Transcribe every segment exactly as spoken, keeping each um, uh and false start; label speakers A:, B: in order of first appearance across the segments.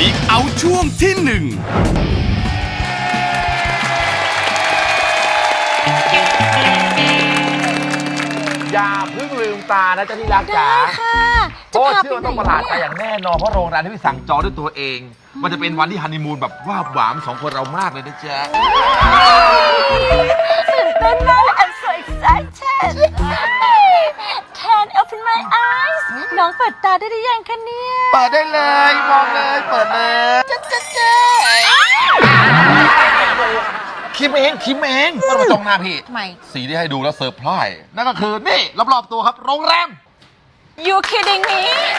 A: Speak Out ช่วงที่หนึ่ง
B: อย่าเพิ่งลืมตานะเจ้าที่รักจ๋าเพราะเชื่อว่าต้องประหลาดใจอย่างแน่นอนเพราะโรงแรมที่พี่สั่งจองด้วยตัวเอง มันจะเป็นวันที่ฮันนีมูนแบบว่าหวานสองคนเรามากเลยนะจ๊ะ
C: ตื่นเต้นมากเลย I'm so excited Can open my eyes น้องเปิดตาได้หรือยังคะเนี่ย
B: เปิดได้เลยมองเลยเปิดเลยจ๊ะจ๊ะจ๊ะคิมเองคิมเองไม่ต้องมาจ้องหน้าพี่
C: ทำไม
B: สีที่ให้ดูแล้วเซอร์ไพรส์นั่นก็คือนี่รอบๆตัวครับโรงแรม
C: You kidding me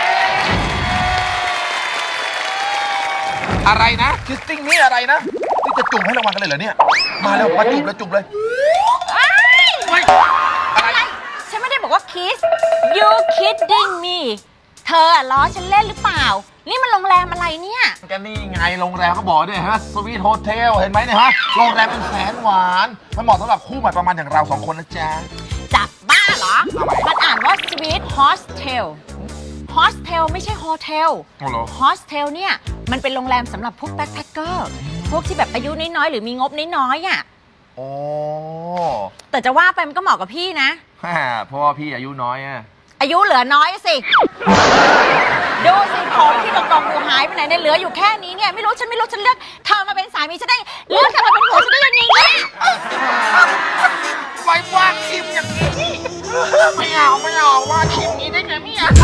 B: อะไรนะคิสติ้งนี่อะไรนะนี่จะจุ่มให้รางวัลกันเลยเหรอเนี่ยมาแล้วมาจุ่มแล้วจุ่มเลยไม่อะไร
C: ฉันไม่ได้บอกว่า kiss You kidding me เธอล้อฉันเล่นหรือเปล่านี่มันโรงแรมอะไรเนี่ย
B: ก็นี่ไงโรงแรมเขาบอกด้วยฮะสวีทโฮเทลเห็นไหมเนี่ยฮะโรงแรมเป็นแสนหวานมันเหมาะสำหรับคู่ใหม่ประมาณอย่างเราสองคนนะจ๊ะ
C: จับบ้าเหรอมันอ่านว่า sweet hostel hostel ไม่ใช่โฮเทล hostel เนี่ยมันเป็นโรงแรมสำหรับพวกแบ็คแพคเกอร์พวกที่แบบอายุน้อยๆหรือมีงบน้อยๆอ่ะ
B: โอ้
C: แต่จะว่าไปมันก็เหมาะกับพี่นะ
B: เพราะว่าพี่อายุน้อยอะ
C: อายุเหลือน้อยสิดูสิผมที่ตรงๆดูหายไปไหนเนี่ยเหลืออยู่แค่นี้เนี่ยไม่รู้ฉันไม่รู้ฉันเลือกเธอมาเป็นสามีฉันได้เลือกเธอมาเป็นผัวฉันได้ยังไงเนี่ย
B: ไว้ว่าคิมอย่างนี้ไม่เอาไม่เอาว่าคิมนี้ได้ไงไม่เอา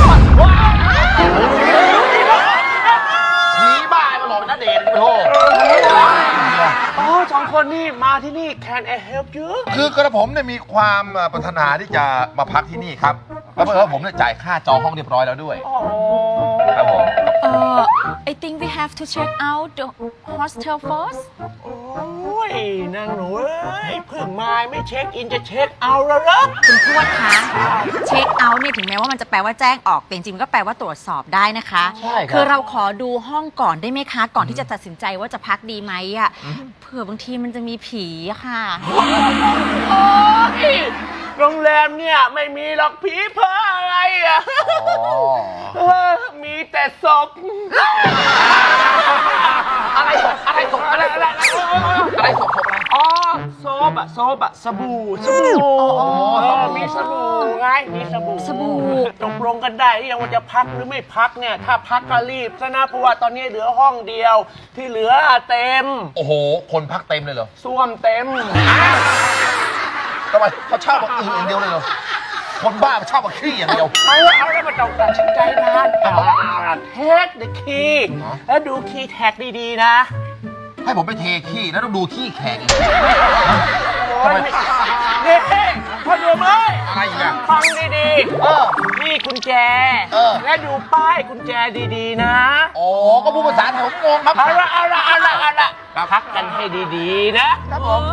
B: ผีบ้ามาหลอกเป็นณเดชน์ไปโทษ
D: อ๋อสองคนนี่มาที่นี่ Can I help you
B: คือกระผมเนี่ยมีความปรารถนาที่จะมาพักที่นี่ครับแล้วเมื่อผมเนี่ยจ่ายค่าจองห้องเรียบร้อยแล้วด้วยครับผม
C: เอ่อ I think we have to check out the hostel first
D: โอ้ยนางหนูเอ้ยเพิ่งมาไม่เช็คอินจะเช็คเอาแล้วเหรอ
C: คุณทวดคะเช็คเอาท์เนี่ยถึงแม้ว่ามันจะแปลว่าแจ้งออกแต่จริงๆก็แปลว่าตรวจสอบได้นะคะ
B: ใช่ครับ
C: คือเราขอดูห้องก่อนได้ไหมคะก่อนที่จะตัดสินใจว่าจะพักดีไหมอ่ะเผื่อบางทีมันจะมีผีอะค่ะ
D: โอ้ยโรงแรมเนี่ยไม่มีหรอกผีเพ้ออะไรอ่ะมีแต่ศพ
B: อะไรศพอะไรศพอะไรอะไรอะไรศพศพอะไร
D: อ๋อโซบอะโซบอะสบู่สบู่มีสบู่ไงมีสบู่
C: สบู่
D: ตกลงกันได้หรือยังว่าจะพักหรือไม่พักเนี่ยถ้าพักก็รีบซะนะเพราะว่าตอนนี้เหลือห้องเดียวที่เหลือเต็ม
B: โอ้โหคนพักเต็มเลยเหรอ
D: ส้วมเต็ม
B: ทำไมเขาเช่าแบบอื่นอย่างเดียวเลยเหรอคนบ้าเช่าแบบขี้อย่างเดียว
D: เอาเอาแล้วมาต้องตัดสินใจนานเทคเดอะคีย์แล้วดูคีย์แท็กดีๆนะ
B: ให้ผมไปเทขี้แล้วต้องดูขี้แข็ง
D: โอ้ยนี่พอดูไหม
B: อะไรอีกอะ
D: ฟังดีๆเออนี่กุญแจและดูป้ายกุญแจดีๆนะ
B: โอ้ก็พูดภาษาไทยผมงงครับ
D: เอาละเอาละเอาละเอาละพักกันให้ดีๆนะครับผม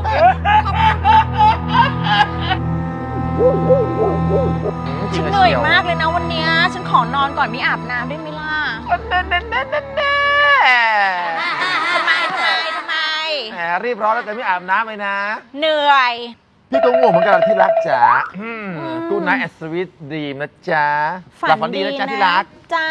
C: ฉันเหนื่อยมากเลยนะวันนี้ฉันขอนอนก่อนไม่อาบน้ำได้ไหมล่ะ
D: แน่แน่แน่แน่แน่
C: ทำไมทำไมทำไม
D: แหมรีบร้อนแล้วแต่ไม่อาบน้ำเลยนะ
C: เหนื่อย
B: พี่ก็ง่วงเหมือนกันที่รักจ๋ากูไนท์แอสวิตดีมนะจ๊ะ
C: ฝันดีนะจ๊ะ
B: ที่รัก
C: จ้า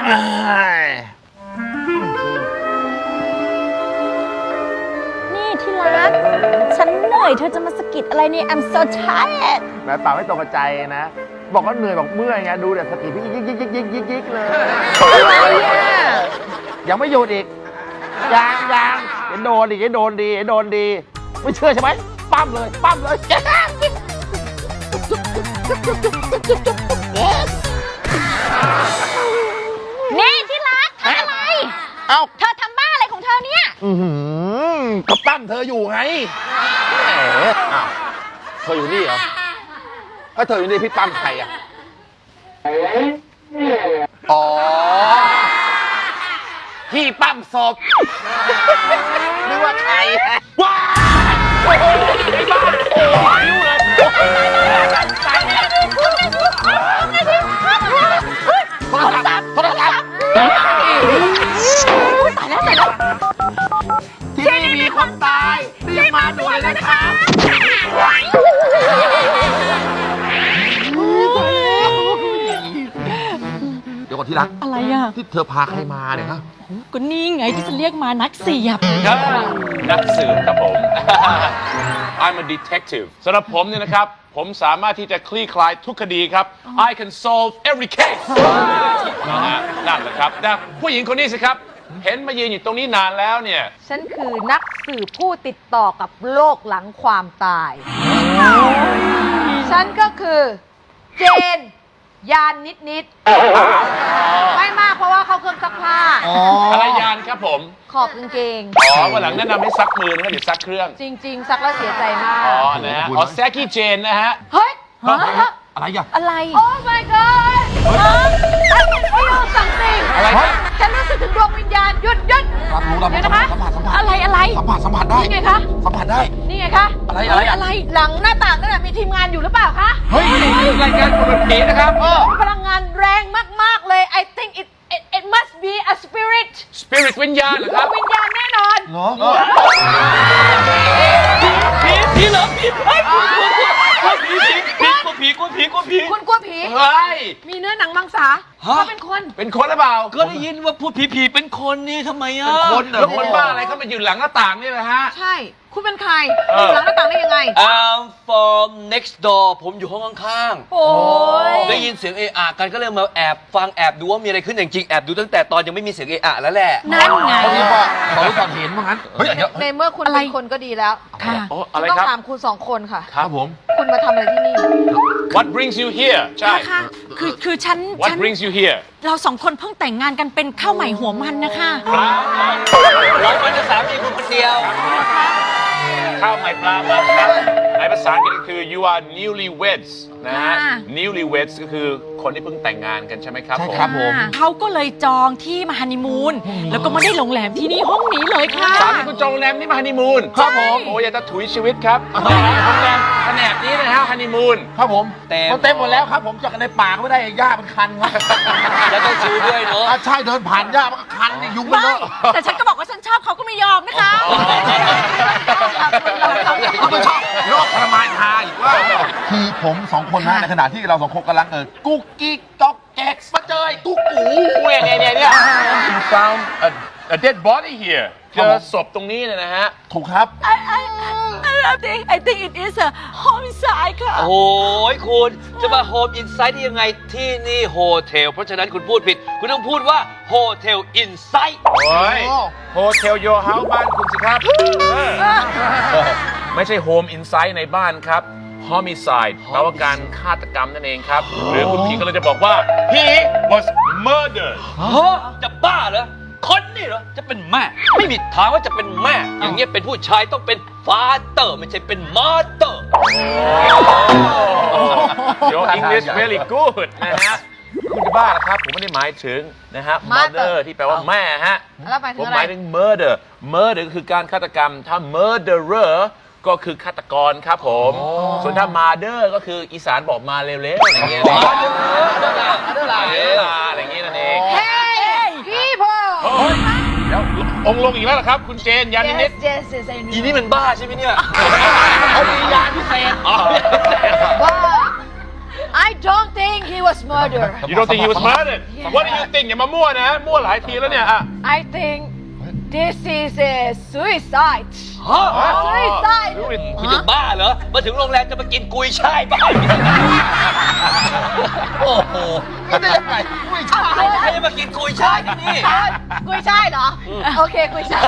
C: นี่ที่รักฉันเหนื่อยเธอจะมาสะกิดอะไรเนี่ย I'm so tired
D: แม่ป่าไม่ตรงกับใจนะบอกว่าเหนื่อยบอกเมื่อยไงดูเดี๋ยวสะกิดพี่ยิกยิกยิกยิกยิกยิกเลย
C: อะไรอ่ะ
D: ยังไม่หยุดอีกยังยังเห็นโดนดิเห็นโดนดีเห็นโดนดีไม่เชื่อใช่ไหมปั้มเลยปั้มเลย
C: นี่ที่รักทำอะไร
B: เอ้า
C: เธอทำบ้าอะไรของเธอเนี่ย
B: อือหือก็ปั้มเธออยู่ไงแหมอ้าวเธออยู่นี่เหรอถ้าเธออยู่นี่พี่ปั้มใครอ่ะอ๋อพี่ปั้มศพนึกว่าใครว้าวโอ้ยไอ้บ้าโอ้ยเลยตายแล้วโทรศัพท์โทรศัพท์ตายแล้วตายแล้วที่นี่มีคนตายรีบมาด่วนเลยนะครับเดี๋ยวก่อนที่รัก
C: อะไรอ่ะ
B: ที่เธอพาใครมาเนี่ยฮะ
C: ก็นี่ไงที่จะเรียกมานักเสียบ
E: นักสืบครับผม I'm a detective สำหรับผมเนี่ยนะครับ ผมสามารถที่จะคลี่คลายทุกคดีครับ I can solve every case นะฮะนั่นแหละครับแต่ผู้หญิงคนนี้สิครับ เห็นมายืนอยู่ตรงนี้นานแล้วเนี่ย
F: ฉันคือนักสืบผู้ติดต่อกับโลกหลังความตาย ฉันก็คือเจน ยานนิดนิดๆไม่มากเพราะว่าเขาเครื่องซักผ้า
E: อะไรยานครับผม
F: ขอบกางเกง
E: อ๋อวันหลังแนะนำให้ซักมือนะครับเดี๋ยวซักเครื่อง
F: จริง ๆ ซักแล้วเสียใจมาก
E: อ๋อ นะฮะ อ๋อแซกกี้เจนนะฮะ
F: เฮ้ย
B: อะไรอ่ะ
C: อะไร
F: โอ้ my god I can feel something
B: อะไรครับ
F: ฉันรู้สึกถึงดวงวิญญาณหยุดหยุด
B: รับรู้รับ
F: เดี๋
B: รู้
F: ยว
B: สัม
F: นะ
B: ผั
F: คะ
B: สสัมผัสสัมผัส
C: อะไรอะไร
B: สัมผัสสัมผัสได้
F: นี่ไงคะ
B: สัมผัสได้
F: นี่ไงคะ
B: อะไรอะไรอะ
C: อะไร
F: หลังหน้าต่างนั่นนะมีทีมงานอยู่หรือเปล่าคะ
B: เฮ้ยรายการคนแบบนี้นะครับเออ
F: มีพลังงานแรงมาก ๆ เลย I think it it it must be a spirit
E: Spirit วิญญาณเหรอครับ
F: วิญญาณแน่นอน
B: เหรอเออ
E: ผีผีเหรอผีเฮ้ยกลัวกลัวกลัวผีผีผีกลัวผีกลัวผีกลัวผี
F: คุณกลัวผี
E: เฮ้ย
F: มีเนื้อหนังมังสาเขาเป็นคน
E: เป็นคนหรือเปล่า
G: ก็ได้ยินว่าพูดผีๆเป็นคนนี่ทำไมอ่ะ
B: เป็นคนเหรอ
E: แล้วคนบ้าอะไรเขามาอยู่หลังหน้าต่างนี่แหละฮะ
F: ใช่ คุณเป็นใคร
E: เอ
F: อ
E: อ
F: ยู่หลังหน้าต่างได้ยังไง
G: I'm from next door ผมอยู่ห้องข้าง
F: โอ้ย
G: ๆ ได้ยินเสียงเอะอะกันก็เลยมาแอบฟังแอบดูว่ามีอะไรขึ้นจริงๆแอบดูตั้งแต่ตอนยังไม่มีเสียงเอะอะแล้วแหละ
C: นั่นไง
B: เขาเรียกว่าเขารู้ก่อนเห็นว่างั้นเฮ้ยเดี๋ยว
F: ในเมื่อคุณ
C: อะไร
F: เป็นคนก็ดีแล้ว
C: ค่ะ
E: โอ้
F: ฉั
E: อะไร
F: นต้อง
E: ครับ
F: ถามคุณสองคนค่ะ
B: ครับผม
F: คุณมาทำอะไรที่นี่
E: What brings you here ใช่
C: ค่ะ คือคือฉัน
E: What
C: ฉัน
E: brings you here
C: เราสองคนเพิ่งแต่งงานกันเป็นข้าวใหม่หัวมันนะคะ
G: เราเป็นสามีคุณคนเดียว
E: ข้าวใหม่ปลามันครับในภาษาอังกฤษก็คือ you are newlyweds นะฮะ
C: ค่ะ
E: newlyweds ก็คือคนที่เพิ่งแต่งงานกันใช่ไหมครับ
B: ใช่
E: ผม
B: ครับผม
C: เขาก็เลยจองที่มาฮันนีมูนแล้วก็มาได้โรงแรมที่นี่ห้องนี้เลยค่ะ
E: สามีคุณจองโรงแรมนี่มาฮันนีมูน
B: ครับผม
E: โอ้ยอยากจะถุยชีวิตครับโรงแรมแผนกนี้นะฮะฮันนีมูน
B: ครับผม
G: เต็ม
B: มันเต็มหมดแล้วครับผมจากในปากไม่ได้หญ้ามันคันครับ
G: แล้วต้องซื้อด้วยเนาะ
B: อ่ะใช่เดินผ่านหญ้ามันก็คันนี่ยุงมัน
C: ไม่
B: เยอะ
C: แต่ฉันก็บอกว่าฉันชอบเขาก็ไม่ยอมนะคะ
B: เขาไม่ชอบโรคทรมานทาอีกว่าคือผมสองคนนะในขณะที่เราสองคนกำลังเออกุ๊กกิ๊กจ๊อกแก๊กมาเจอไอ้ตุ๊กกู
E: เนี่ยเนี่ยเนี่ยเนี่ย you found a, a dead body here เจอศพตรงนี้เนี่ยนะฮะ
B: ถูกครับ
C: I I I think I think it is a homicide ค่ะ
G: โอ้ยคุณจะมาโฮมอินไซต์ได้ยังไงที่นี่โฮเทลเพราะฉะนั้นคุณพูดผิด คุณต้องพูดว่าโฮเทลอินไซต์
E: โอ้ยโฮเทลโยเฮาส์บ้านคุณสิครับเออไม่ใช่โฮมอินไซต์ในบ้านครับ homicide แปลว่าการฆาตกรรมนั่นเองครับ หรือคุณผีก็เลยจะบอกว่า he was murdered
G: ฮะจะบ้าเหรอ คนนี่เหรอ จะเป็นแม่ ไม่มีทางว่าจะเป็นแม่ อย่างเงี้ยเป็นผู้ชายต้องเป็นฟาเตอร์ไม่ใช่เป็นมาเตอร์
E: Your English very good นะฮะ คุณจะบ้าเหรอครับ ผมไม่ได้หมายถึงนะฮะ mother ที่แปลว่าแม่ฮะ
F: แล้วหมายถึ
E: ผ
F: ง
E: ม
F: อะไร
E: หมายถึง murder murder ก็คือการฆาตกรรม ถ้า murderer ก็คือฆาตกรครับผม ส่วนถ้า murder ก็คืออีสานบอกมาเร็วๆอะไรอย่างเงี้ยอะไรอย่างเงี้ยนั่นเอง
F: Hey people
E: เดี๋ยวองค์ลงอีกแล้วเหรอครับ คุณเจนยานินิด
F: yes yes yes I
G: อี
F: know
G: นี่มันบ้าใช่ไหมเนี่ย
B: เขามียาพิเศษ
F: but I don't think he was murdered
E: You don't think he was murdered What do you think อย่ามามั่วนะ มั่วหลายทีแล้วเนี่ยอ่ะ
F: I think this is a suicide
G: ฮะ
F: suicide
G: คุณจะบ้าเหรอ มาถึงโรงแรมจะมากินกุยช่ายบ้าโอ้โห
B: ไม่ได้ยังไงไม่ใช่
G: ใครจะมากินกุยช่ายที่นี่
F: กุยช่ายเหรอ โอเคกุยช่าย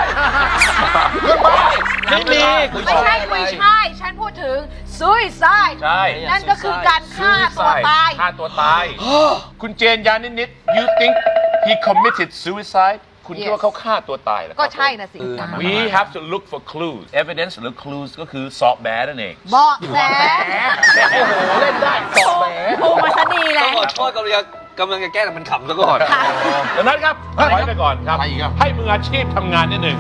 G: ไม่มีกุย
F: ไม่
G: ช่าย
F: ใช่กุยช่าย ฉันพูดถึง suicide
E: ใช่
F: นั่นก็คือการฆ่าตัวตาย
E: ฆ่าตัวตาย คุณเจนยานินิด You think he committed suicide คุณคิดว่าเขาฆ่าตัวตายเหรอครับ
F: ก็ใช่นะสิ
E: We have to look for clues evidence หรือ clues ก็คือสอบแบนั่นเอง
F: เบาะแส
B: โอ้โหเล่นได้สอบแหม
C: โอ้มาซะดีเล
G: ต้อย งขอโทษกำลังจะกำลังจะแก้แต่มันขำซะก่อน
E: ดังนั้นครับถอยไปก่อนครับ
B: อะไรอีกอ่ะ
E: ให้มืออาชีพทำงานนิดหนึ่ง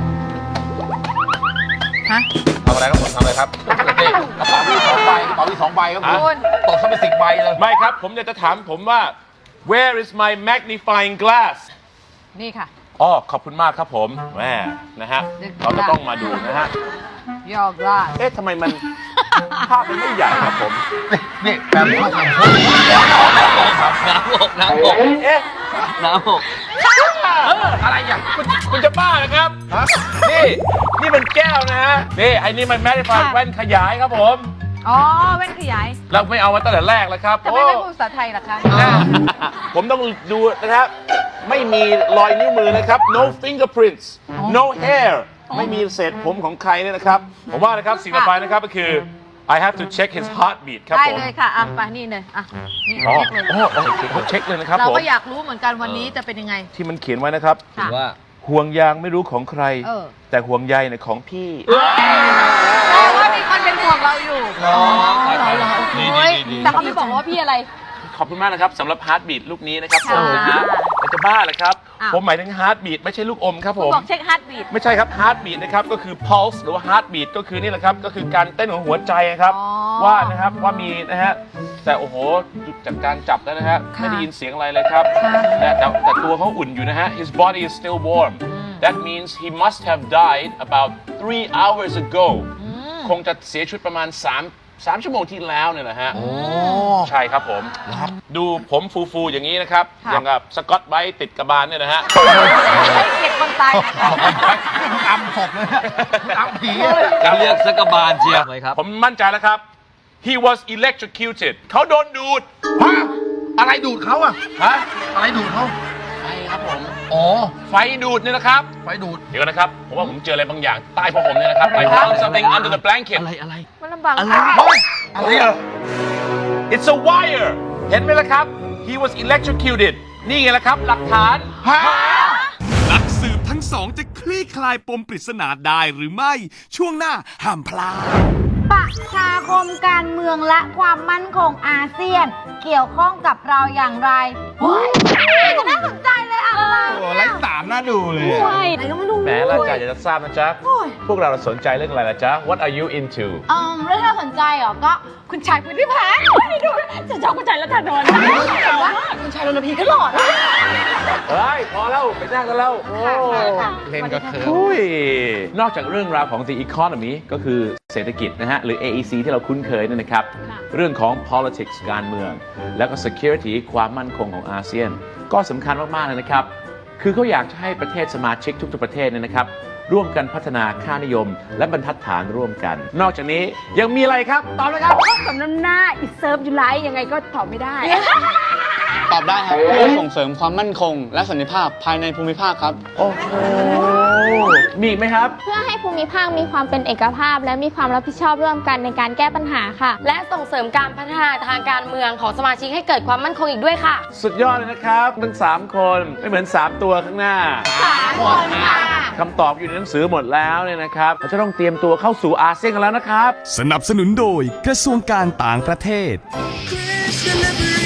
C: ฮะ
B: ทำอะไรครับผมทำอะไรครับนี่กระเป๋ามีสองใบกระเป๋ามีสองใบครับผม
F: คุณ
B: ตกซะเป็นสิบใบเลย
E: ไม่ครับ ผมอยากจะถามผมว่า Where is my magnifying glass
F: นี่ค่ะ
E: อ๋อขอบคุณมากครับผมแม่นะฮะ เราจะต้องมาดูนะฮะ
F: ยอกลาด
E: เอ๊ะทำไมมัน ภาพมันไม่ใหญ่ครับผม
B: นี่นี่แบบนี้มาทำ
G: น้ำบกน้ำบก
E: เอ๊ะ
G: น้ำหก
B: อะไรอย่าง
E: คุณคุณจะบ้านะครับ นี่ นี่มันแก้วนะฮะ นี่ไอ้นี่มันแมสฟันแว่นขยายครับผม
F: อ๋อแว่นขยาย
E: เราไม่เอามาตั้งแต่แรกแล้วครับ
F: ทำไมไม่พูดภาษาไทยล่ะคะ
E: โอ้ผมต้องดูนะครับ ไม่มีรอยนิ้วมือนะครับ no fingerprints no hair ไม่มีเศษผมของใครเนี่ยนะครับ ผมว่านะครับสิ่งต่อไปนะครับก็คือ I have to check his heartbeat ครับ
F: ได้
E: ผม
F: เลยค่ะอ่ะไปนี่เลยอ่ะนี่
E: อ๋อ
F: เช็คเลย
E: โอ้โหผมเช็คเลยนะครับ
F: เรา
E: ผม
F: ก็อยากรู้เหมือนกันวันนี้จะเป็นยังไง
E: ที่มันเขียนไว้นะครับ
F: ค่ะ
G: ว่า
E: ห่วงยางไม่รู้ของใคร
F: เออ
E: แต่ห่วงใยเนี่ยของพี่
F: แปลว่ามีคนเป็นห่วงเราอยู่
E: อ๋อ
F: เหรอเหรอ
E: ดีดี
F: โอ้ย
E: ดี
F: แต่เขาไม่บอกว่าพี่อะไร
E: ขอบคุณมากนะครับสำหรับฮาร์ดบีทลูกนี้นะครับผ
F: ค่ะ
E: มแต่จะบ้าเหรอครับ
F: อ้าว
E: ผมหมายถึงฮาร์ดบีทไม่ใช่ลูกอมครับผ
F: คุณ
E: ม
F: บอกเช็คฮาร์ดบีท
E: ไม่ใช่ครับฮาร์ดบีทนะครับก็คือ pulse หรือว่า heart beat ก็คือนี่แหละครับก็คือการเต้นของหัวใจครับ
F: อ๋อ
E: ว่านะครับว่ามีนะฮะแต่โอ้โหจากการจับแล้วนะฮะ
F: ค่ะ
E: ไม่ได้ยินเสียงอะไรเลยครับ
F: ค่ะ
E: แต่แต่แต่ตัวเขาอุ่นอยู่นะฮะ his body is still warm that means he must have died about three hours ago คงจะเสียชีวิตประมาณ3 3ชั่วโมงที่แล้วเนี่ยนะฮะใช่ครับผมดูผมฟูๆอย่างนี้นะครับ
F: ค่ะ
E: อย่างกับสกอตไบรท์ติดกระบาลเนี่ยนะฮะ
F: เก็บคนตายนะคะ
B: อำศพเลยอำผี
G: จะเรียกสกบาลเชียวไหมครับ
E: ผมมั่นใจแล้วครับ he was electrocuted เขาโดนดูด
B: ฮะอะไรดูดเขาอะ
E: ฮะ
B: อะไรดูดเขา
E: ไฟครับผม
B: อ๋อ
E: ไฟดูดเนี่ยนะครับ
B: ไฟดูด
E: เดี๋ยวนะครับ ผมว่าผมเจออะไรบางอย่างใต้ผ้าห่มเนี่ยนะครับ I found something under the blanket
G: อะไรอะไร
F: มันลำบาก
G: อะไร
B: อะไรอะ
E: it's a wire เห็นไหมล่ะครับ he was electrocuted นี่ไงล่ะครับ หลักฐาน
B: ฮะ
A: นักสืบทั้งสองจะคลี่คลายปมปริศนาได้หรือไม่ ช่วงหน้าห้ามพลาด
H: ประชาคมการเมืองและความมั่นคงอาเซียน เกี่ยวข้องกับเราอย่างไรโอ้ยจะน่าสนใจเลยอะไร
B: โอ้ไร้สามน่าดูเลยอะ
H: ใช่ไหนก็ไม่รู้
E: แหมล่ะจ๊ะอยากจะทราบนะจ๊ะ พวกเราสนใจเรื่องอะไรล่ะจ๊ะ what are you into
H: อืมเรื่องที่เราสนใจเหรอ ก็คุณชายพุทธิพัฒน์ไม่ดูจะชอบคุณชายรัตนนท์แต่ว่าคุณชายรณพีก็หล่อนะ
E: เฮ้ย พอแล้ว ไปนั่งกันแล้วโอ้
B: เล่นก็เคิร์ฟ
E: อุ้ยนอกจากเรื่องราวของ the economy ก็คือเศรษฐกิจนะฮะ หรือ เอ อี ซี ที่เราคุ้นเคยเนี่ยนะครับ เรื่องของ politics การเมือง แล้วก็ security ความมั่นคงของอาเซียน ก็สำคัญมาก ๆ เลยนะครับ คือเขาอยากจะให้ประเทศสมาชิกทุก ๆ ประเทศเนี่ยนะครับ ร่วมกันพัฒนาค่านิยม และบรรทัดฐานร่วมกัน นอกจากนี้ยังมีอะไรครับ ตอบเลยครับ
H: สมน้ำหน้าอิเซิร์ฟยูไลยังไงก็ตอบไม่ได้
I: ตอบได้ครับเพื่อส่งเสริมความมั่นคง และสันติภาพภายในภูมิภาคครับ
E: โอ้โห มีอีกไหมครับ
J: เพื่อให้ภูมิภาคมีความเป็นเอกภาพ และมีความรับผิดชอบร่วมกันในการแก้ปัญหาค่ะ
K: และส่งเสริมการพัฒนาทางการเมืองของสมาชิกให้เกิดความมั่นคงอีกด้วยค่ะ
E: สุดยอดเลยนะครับทั้งสามคนไม่เหมือนสามตัวข้างหน้า
H: คนค่ะ
E: คำตอบอยู่ในหนังสือหมดแล้วเนี่ยนะครับเราจะต้องเตรียมตัวเข้าสู่อาเซียนกันแล้วนะครับ
A: สนับสนุนโดยกระทรวงการต่างประเทศ
L: Chris Delivery